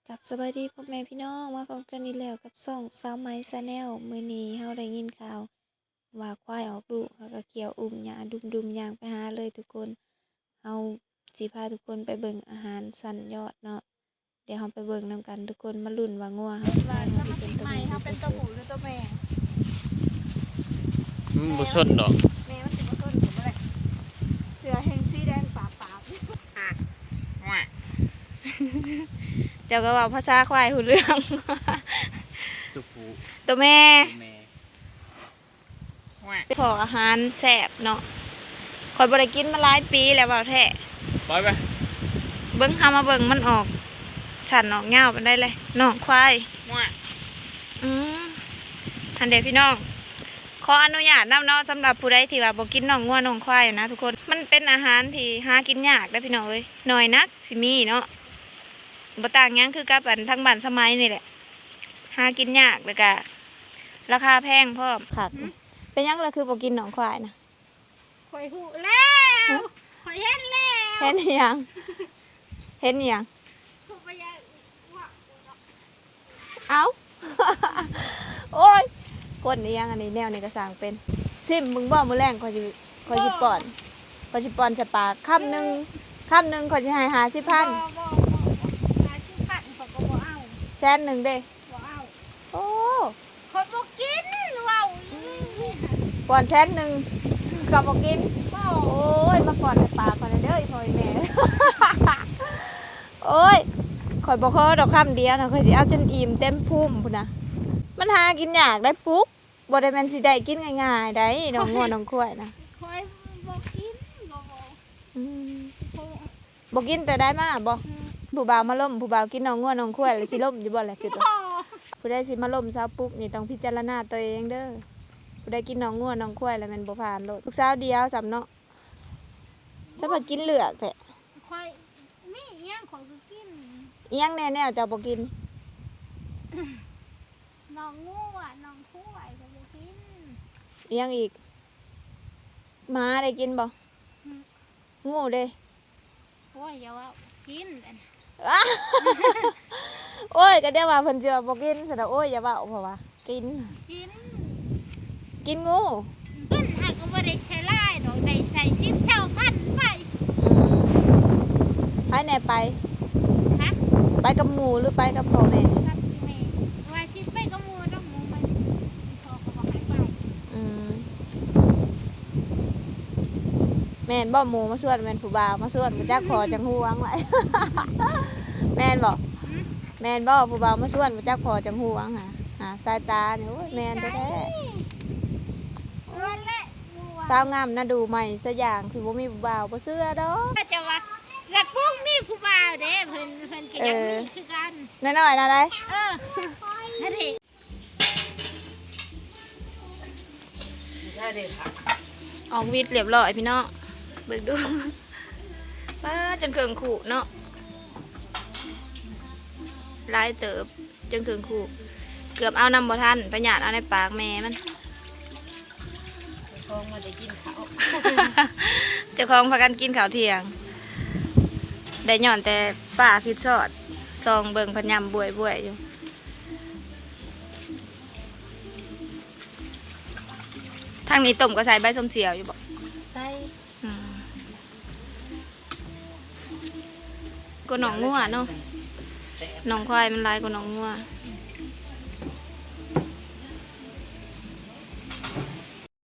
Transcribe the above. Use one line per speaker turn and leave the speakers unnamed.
กับสวัสดีพ่อแม่พี่น้องมาพบกันอีกแล้วกับช่องสาวไหมชาแนลมื้อนี้เฮาได้ยินข่าวว่าควายออกลูกเขาก็เกี่ยวอุ้มหญ้าดุมๆย่างไปหาเลยทุกคนเฮาสิพาทุกคนไปเบิ่งอาหารสันยอดเนาะเดี๋ยวเฮาไปเบิ่งนำกันทุกคนมาลุ้นว่างัวเฮาควายเฮาสิเป็นตัว
ใหม่
แม่หรื
เขา
อ
เป็น
ตั
ตัว ว
ผู้
ผู้หรือตัวแม่
บ่สนดอก
แม่มันสิบ่ต้นผมอะไรเสือแห่งสีแดงปาบเจ้าก็ว่าภาษาควายหูเรื่อง
ตัวผู้
ตัวแม่
ตัวแม่
ขออาหารแซ่บเนาะคอยบ่ได้กินมาหลายปีแล้วเว่าแท้
ปล่อยไป
เบิ่งหามาเบิ่งมันออกสั่นออกยาวปานได้เลยน้องควายทันเดพี่น้องขออนุญาตนำเนาะสำหรับผู้ใดที่ว่าบ่กินน้องงัวน้องควายนะทุกคนมันเป็นอาหารที่หากินยากได้อพี่น้องเอ้ยน้อยนักสิมีเนาะบ่ต่างหยังคือกับอันทั้งบ้านสมัยนี่แหละหากินยากแล้วก็ราคาแพงพร้อมค่ะเป็นหยังล่ะคือบ่กินน้องควายนะ
ข่อยหูแล้วข่อยเห็นแล้ว
เห็นอิหยังเห็นอิหยัง
ข่อยไปยังว่า
เอ้า โอ้ยคนอิหยังอันนี้แนวนี้ก็สร้างเป็นซิมมึงบ่มื้อแรงข่อยสิป้อนใส่ปากคำหนึงข่อยสิให้50,000
บ่หาชื่อพันข่อยก็บ่เอา
แสนหนึ่งเด้
บ่เอา
โอ้
ข่อยบ่กินเว้า
ป้อนแสนหนึ่งก็บ่กิน
บ่
โอ้ยมาป้อนใส่ปากก่อนนะเด้ออีพ่ออีแม่ โอ้ยข่อยบ่ขอดอกคำเดียวนะข่อยสิเอาจนอิ่มเต็มภูมิพุ่นน่ะมันหากินยากได้ปุ๊บบ่ได้แม่นสิได้กินง่ายๆได้น้องงัวน้องควายนะ
ข่อยบ่กินบ่
อืม
ข่อย
บ่กินแต่ได้มาบ่ผู้บ่าวมาล่มผู้บ่าวกินน้องงัวน้องควายแล้วสิล่มอยู่บ่แหละคือว่า
บ่
ผู้ใดสิมาล่มสาวปุ๊กนี่ต้องพิจารณาตัวเองเด้อผู้ใดกินน้องงัวน้องควายแล้วแม่นบ่ผ่านโลดลูกสาวเดียวสำเนาะจะมากินเหลือกแท้
ข่อยมีอิหยังข่อยก็กิน
อีหยังแน่ๆเจ้าบ่กิน
น้องงูน้องคู่ไอ้ก็บ่กิน
อีหยังอีกหมาได้กินบ่งูเด้
โอ้ยอย่าว่ากินอัน
อ้า โอ้ยก็เดี๋ยวว่าเพิ่นสิว่าบ่กินซะดอกโอ้ยอย่าเว้าเพราะว่ากิน
กิน
กินงู
กินหากก็บ่ได้ใช้ลายดอกได้ใส่ชิปเช่าพันไป
ไปไหนไป
ฮะ
ไปกับหมู่หรือไปกับพ่อแม่
ครับแม่ว่าชิปไปก็มูต้องมูมันพอก็บอกให้ไป
อืมแม่นบ่หมู่มาสวดแม่นผู้บ่าวมาสวดบ่จักพอจังฮู้วังไว้ แม่นบ่แม่นบ่ผู้บ่าวมาสวดบ่จักพอจังฮู้วังหาสายตานี่โอ้ยแม่นแท้
วันละมู
ๆสาวงามน่าดูใหม่ซะอย่างคือบ่มีผู้บ่าวบ่เชื่อดอก
ก็จะว่าหลักพวกมีผู้บ่าวเด้เพิ่นก็ยังมีคือกัน
น้อยๆนะได้
นั่นเอง
ออกวิทย์เรียบร้อยพี่น้องเบิกดู ป้าจนเคืองขู่เนาะลายเติบจนเคืองขู่เกือบเอานำบ่ทันไปหยาดเอาในปากแม่มัน
คงมาได้กินข้าว
เจ้าของพากันกินข้าวเที่ยง ได้หย่อนแต่ป้าคิดสอดซองเบิ่งพะยำบวยๆอยู่ทางนี้ต้มก็ใส่ใบส้มเสียวอยู่บ่
ใส่
อืมก็หนองงัวเนาะหนองควายมันลายกว่าหนองงัว